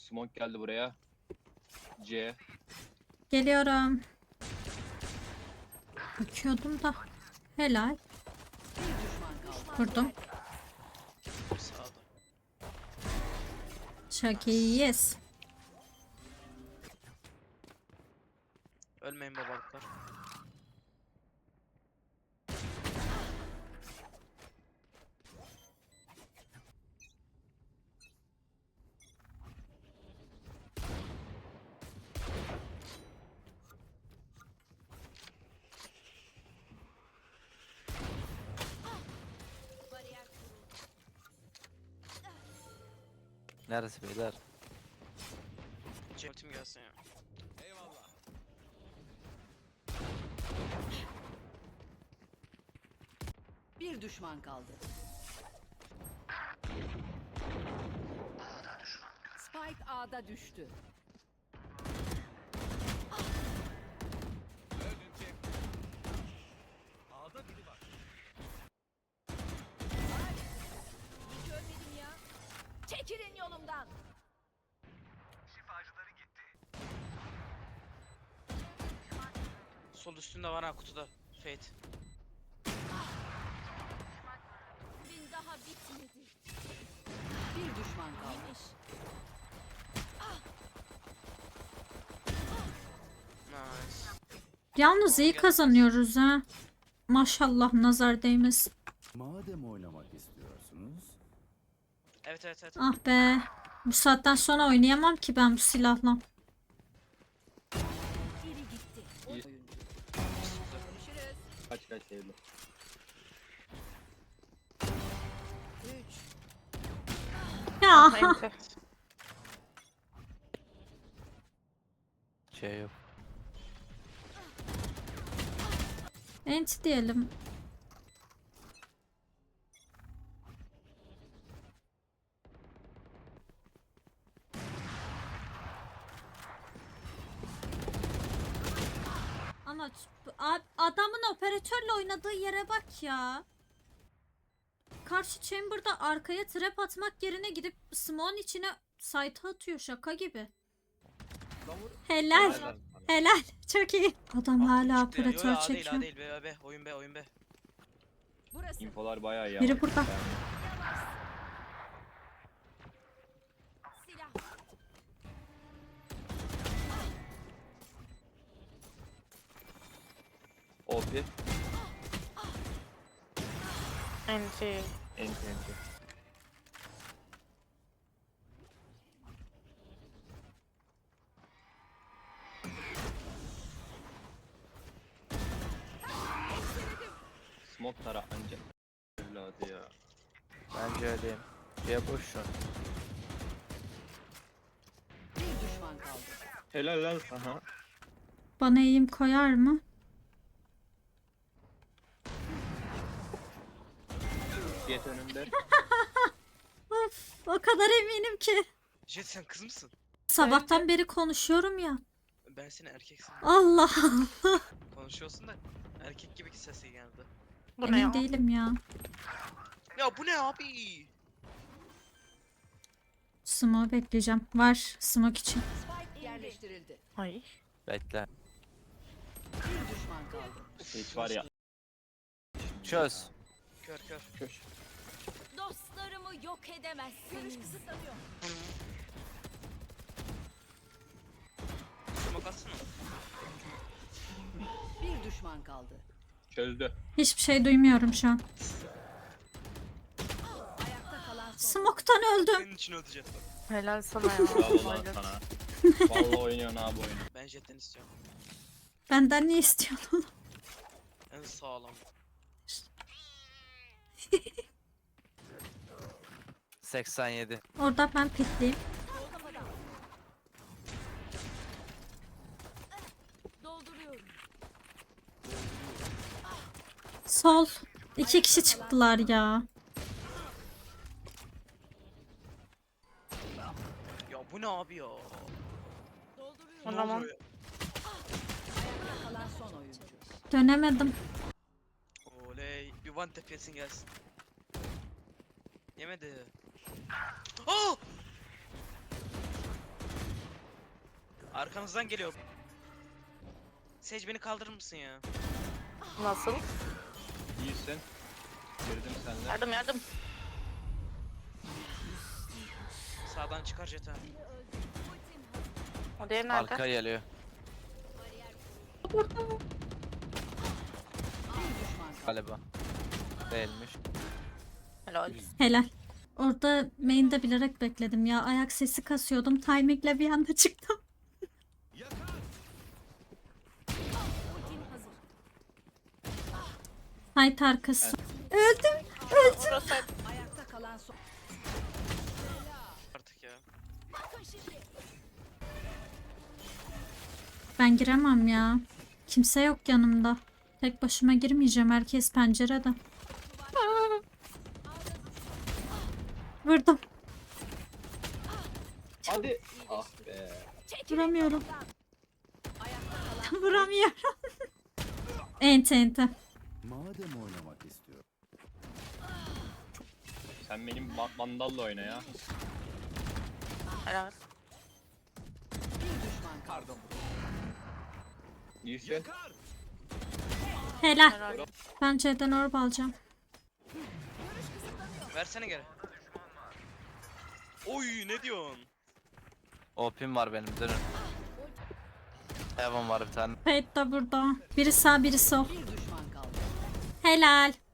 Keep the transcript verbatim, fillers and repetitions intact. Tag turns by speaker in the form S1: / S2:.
S1: Smoke geldi buraya. C.
S2: Geliyorum. Bakıyordum da. Helal. Vurdum.
S3: Sağda.
S2: Çok iyiyiz.
S3: Ölmeyin babalıklar.
S4: Neresi beyler?
S3: Ultim gelsin ya.
S5: Bir düşman kaldı. Spike A'da düştü.
S6: Görmedim ya. Çekilin yolumdan.
S3: Sol üstünde var ha kutuda. Fate.
S6: Gün daha bitmedi.
S5: Bir düşman kaldı.
S6: Neymiş?
S3: Nice.
S2: Yalnız iyi kazanıyoruz ha. Maşallah nazar değmesin.
S7: Madem oynamak istiyorsunuz,
S3: Evet evet evet.
S2: Ah be. Bu saatten sonra oynayamam ki ben bu silahla.
S6: Biri gitti.
S1: İyi.
S6: Görüşürüz.
S1: Kaç kaç sevdim.
S5: Üç.
S2: Ya.
S4: Şey yok.
S2: Ent diyelim. Ama ç- a- adamın operatörle oynadığı yere bak ya. Karşı chamber'da arkaya trap atmak yerine gidip smoke'un içine site atıyor, şaka gibi. Helal.
S1: Helal.
S2: Helal. Çok iyi. Adam hala
S3: Çıktı ya. Yo, yo,
S2: operatör
S3: A değil
S2: çekiyor.
S3: A değil. B, B, oyun B, oyun B.
S6: Burası.
S1: Infolar bayağı iyi.
S2: Biri
S1: ama.
S2: burada.
S6: Silah.
S1: O P.
S8: Enti.
S1: Enti enti. Smoke tara anca. Evladı ya.
S4: Bence öyleyim. Şey boş şu an.
S5: Bir düşman kaldı.
S1: Helal lan sana.
S2: Bana eğim koyar mı?
S1: Diyet önünde.
S2: Of, o kadar eminim ki.
S3: Jet sen kız mısın?
S2: Sabahtan beri konuşuyorum ya.
S3: Ben seni erkeksin.
S2: Allah Allah.
S3: Konuşuyorsun da erkek gibi ki sesi geldi.
S8: Bu ne
S2: Emin
S8: ya?
S2: değilim ya.
S3: Ya bu ne abi?
S2: Smoke bekleyeceğim. Var smoke için.
S5: Spike yerleştirildi.
S8: Ay.
S4: Bekle.
S5: Bir düşman kaldı.
S1: Hiç var ya.
S4: Çöz.
S3: Kör kör.
S1: Köş.
S6: Dostlarımı yok edemezsiniz. Görüş kısıtlanıyor.
S3: Smoke atsana.
S5: Bir düşman kaldı.
S1: Çözdü.
S2: Hiçbir şey duymuyorum şu an.
S5: Ayakta kalan son.
S2: Smoke'tan öldüm.
S3: Senin için öldü Jet bak.
S8: Helal sana ya.
S1: Bravo lan
S8: Hayret.
S1: sana. Vallahi oynuyorsun abi oyunu.
S3: Ben Jet'ten istiyorum.
S2: Benden ne istiyorsun?
S3: En sağlam.
S4: seksen yedi.
S2: Orada ben pikleyeyim.
S6: Dolduruyorum.
S2: Sol. İki kişi çıktılar ya.
S3: Ya bu ne abi ya?
S6: Dolduruyorum.
S8: O
S3: Ne
S8: zaman
S3: oluyor ya?
S5: Ayakta kalan son oyuncu.
S2: Dönemedim.
S3: Oley. Bir one tap yesin gelsin. Yemedi. Aa! Arkanızdan geliyor. Sage beni kaldırır mısın ya?
S8: Nasıl?
S1: İyisin. Girdim senle.
S8: Yardım yardım.
S3: Sağdan çıkar Jeta.
S8: O diğeri nerede?
S4: Arka geliyor.
S5: Bir düşman kaldı.
S4: Galiba. Değilmiş.
S8: Helal.
S2: Helal. Orada main'de bilerek bekledim ya. Ayak sesi kasıyordum. Timingle bir anda çıktım. Site arkası. Öldüm.
S8: Burası
S5: Ayakta kalan son.
S3: Artık ya.
S2: Ben giremem ya. Kimse yok yanımda. Tek başıma girmeyeceğim. Herkes pencerede. Vurdum.
S1: Hadi. Ah be.
S2: Vuramıyorum. Vuramıyorum. Ente ente.
S7: Madem oynamak istiyor.
S1: Sen benim ba- bandalla oyna ya.
S8: helal.
S5: Bir düşman kaldı.
S1: İyisin.
S2: Helal.
S8: Helal.
S2: Ben C'den orb alacağım.
S3: Versene geri. Oy ne diyorsun?
S4: O P'm var benim dönün. Heaven var bir tane.
S2: Fate da burada. Biri sağ biri sol.
S5: Bir düşman kaldı.
S2: Helal.